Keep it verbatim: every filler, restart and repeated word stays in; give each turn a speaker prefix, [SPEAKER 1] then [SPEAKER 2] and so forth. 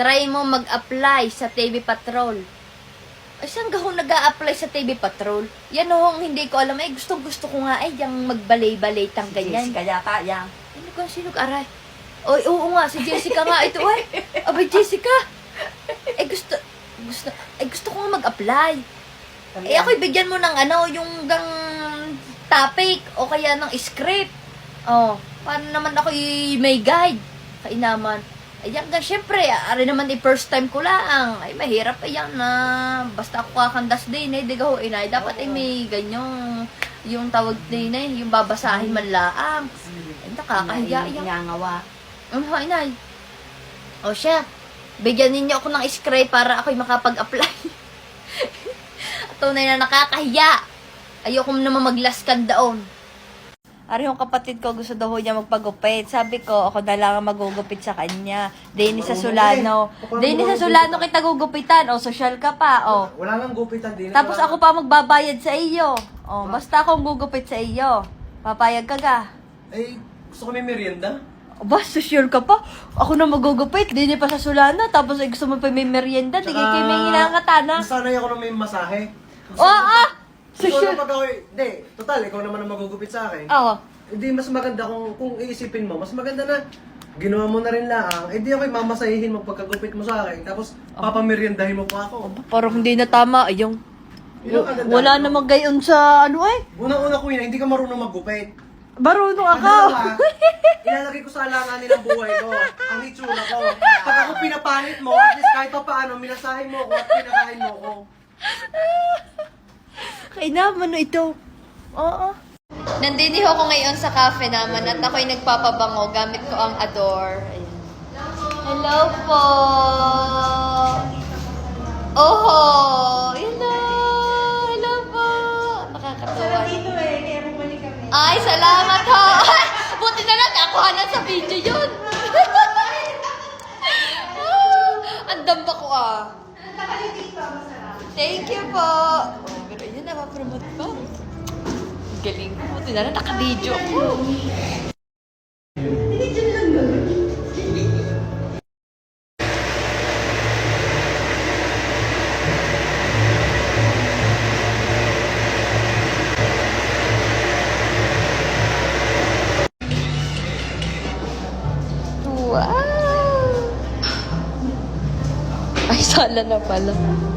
[SPEAKER 1] try mo mag-apply sa T V Patrol. Ay, saan ka kung nag-a-apply sa T V Patrol? Yan ho, hindi ko alam. Eh, gusto-gusto ko nga ay yung magbalay-balay tang ganyan.
[SPEAKER 2] Jessica yata, yan.
[SPEAKER 1] Ano kung sino aray? Oy, oo nga, si Jessica nga. Ito, ay. Abay, Jessica. Eh, gusto, gusto, eh, gusto ko nga mag-apply. Eh, ako'y bigyan mo ng ano, yung gang topic o kaya ng script. Oh, paano naman ako'y may guide? Kainaman. Ayan nga, syempre, ari naman di first time ko lang. Ay, mahirap ayan na. Basta ako kakandas din eh, di ho, inay. Dapat ay may ganyong, yung tawag din eh, yung babasahin man laang. Ay, nakakahiya yan.
[SPEAKER 2] Nangangawa.
[SPEAKER 1] Ano ho, inay? O siya, bigyan ninyo ako ng script para ako'y makapag-apply. Tunay na nakakahiya. Ayoko naman maglaskan daon. Ari yung kapatid ko, gusto daw niya magpagupit. Sabi ko, ako na lang ang magugupit sa kanya. Dini sa Solano. Dini sa Solano kita gugupitan. O, social ka pa. O.
[SPEAKER 3] Wala nang gupitan din.
[SPEAKER 1] Tapos ako pa magbabayad sa iyo. O, basta akong gugupit sa iyo. Papayag ka ga.
[SPEAKER 3] Eh, gusto ko may merienda.
[SPEAKER 1] O, ba, social ka pa? Ako na magugupit. Dini pa sa Solano. Tapos ay gusto mo pa may merienda. Di kayo may inangatana.
[SPEAKER 3] Sanay ako na may masahe.
[SPEAKER 1] O, ah!
[SPEAKER 3] Ikaw
[SPEAKER 1] Social.
[SPEAKER 3] na pag ako, hindi, total, ikaw naman ang magugupit sa akin.
[SPEAKER 1] Oo.
[SPEAKER 3] Hindi, mas maganda kung, kung iisipin mo, mas maganda na ginawa mo na rin lang, eh di ako'y mamasahihin mo pagkagupit mo sa akin, tapos papameriendahin mo pa ako.
[SPEAKER 1] Parang hindi na tama. Ayong.
[SPEAKER 3] Yun ang kagandahan
[SPEAKER 1] Wala
[SPEAKER 3] ko.
[SPEAKER 1] namang gayon sa ano eh.
[SPEAKER 3] Unang-una ko yun, hindi ka marunong maggupit.
[SPEAKER 1] Marunong ako.
[SPEAKER 3] Pangalawa, ilalagay ko sa alanganin ang buhay ko, ang itsura ko. Pag ako pinapanit mo, at least kahit pa paano, minasahin mo ako at pinakain mo ako.
[SPEAKER 1] Kainaman no ito. Oo. Nandiniho ko ngayon sa cafe naman at ako'y nagpapabango gamit ko ang Adore. Ayan. Hello po. Oho. Hello. Hello po. Nakakatawa.
[SPEAKER 2] Dito eh, kaya bumalik kami.
[SPEAKER 1] Ay, salamat ho. Ay, buti na lang nakuhanan sa video yun. Ah, ang damba ko ah. Thank you po. Oh, pero yun, napapromote pa. Galing ko. Buti na lang, naka-video ko. Wow! Ay, sala na pala.